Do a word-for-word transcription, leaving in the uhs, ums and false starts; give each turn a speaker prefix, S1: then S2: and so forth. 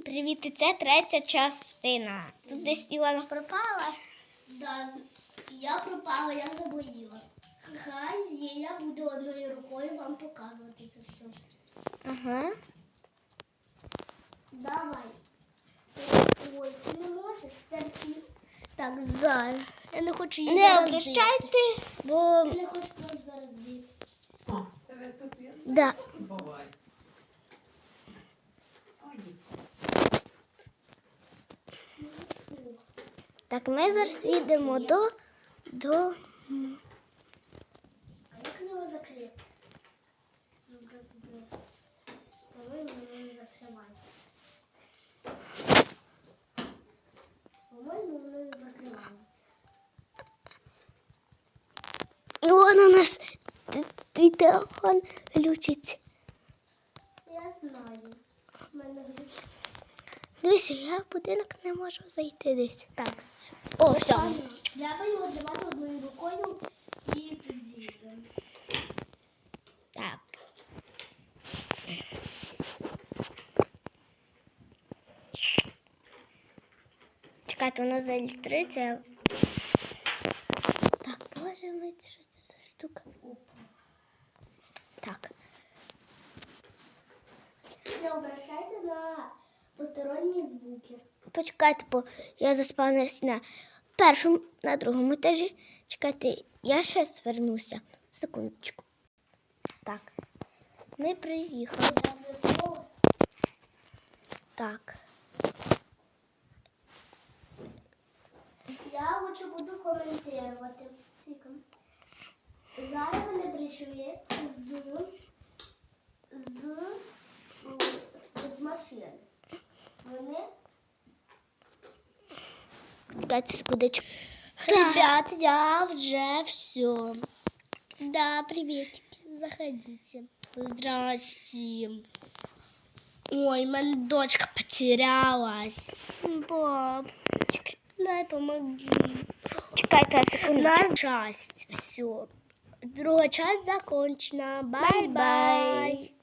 S1: Привіт, і це третя частина. Тут десь Ілона пропала.
S2: Да, я пропала, я заболіла. Хай я буду одною рукою вам показувати це все.
S1: Ага.
S2: Давай. Ой, ти не можеш? Терпі.
S1: Так, зараз.
S2: Я не хочу її
S1: Не
S2: заразити.
S1: обращайте, бо...
S2: Я не хочу вас заразити.
S3: А, тебе тут є?
S1: Да.
S3: Бувай. Ой.
S1: Так, ми зараз їдемо до... до...
S2: А як його закрити? Ну, просто було. По-моєму, воно не закривається. По-моєму, воно не закривається.
S1: Ілона, у нас т- твій телефон глючить.
S2: Я знаю. В мене глючить.
S1: Дивися, я в будинок не можу зайти десь. Так. О, все.
S2: Треба його тримати одною рукою і підзійдемо.
S1: Так. Чекайте, воно заілюструється. Так, боже мій, що це за штука? Так.
S2: Не обращайте на посторонні звуки.
S1: Почекайте, бо я заспавнилась на першому, на другому етажі. Чекайте, я ще звернуся. Секундочку. Так. Ми приїхали. Так.
S2: Я хочу буду коментувати. Тільки. Зараз вони прийшли з, з, з машини. Вони...
S1: Чекайте секундочку.
S2: Ребят, я вже все. Да, приветики, заходите. Здрасте. Ой, моя дочка потерялась. Бабочка, дай помоги.
S1: Чекайте секундочку.
S2: На часть все. Друга часть закончена. Бай-бай.